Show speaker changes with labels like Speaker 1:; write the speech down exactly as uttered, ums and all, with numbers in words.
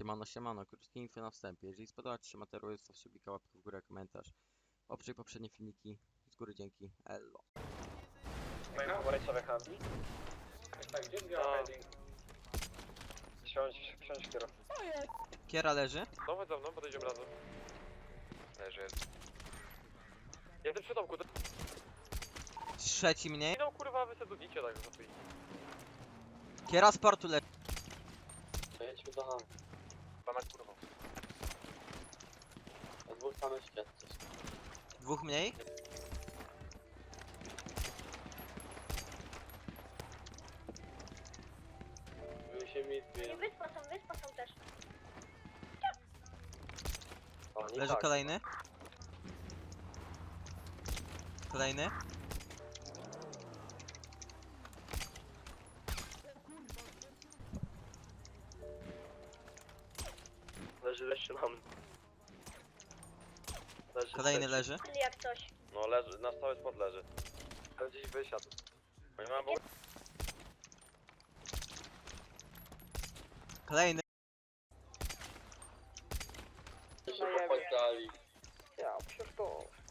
Speaker 1: Siemano, siemano, krótkie info na wstępie. Jeżeli spodoba Ci się materiał, zostaw subika, łapkę w górę, komentarz. Obczaj poprzednie filmiki. Z góry dzięki. Ello.
Speaker 2: Moje pomarańczowe handli? Tak, gdzie zbiera heading? Wsiądź, wsiądź kierowcę.
Speaker 1: Kiera leży.
Speaker 2: No chodź za mną, podejdziemy razem. Leży, jest. Jestem przy domku, to...
Speaker 1: Trzeci mniej.
Speaker 2: No kurwa, wy se dudicie tak za chwilę.
Speaker 1: Kiera z portu leży.
Speaker 3: Jedźmy do ham.
Speaker 2: Pana kurwa.
Speaker 3: A dwóch tam jest świadczy.
Speaker 1: Dwóch mniej.
Speaker 3: My się mi
Speaker 4: I
Speaker 3: zbieram.
Speaker 4: wyspa są, wyspa są też.
Speaker 3: Oni
Speaker 1: Leży
Speaker 3: tak.
Speaker 1: kolejny. Kolejny.
Speaker 3: Leży jeszcze nam. Leży
Speaker 1: Kolejny
Speaker 3: trzeci.
Speaker 1: leży.
Speaker 4: Jak coś.
Speaker 2: No leży, na cały spot leży. Ale gdzieś wysiadł. Oni mają bo...
Speaker 1: Kolejny.
Speaker 3: się popatrali.
Speaker 2: Ja, przecież to...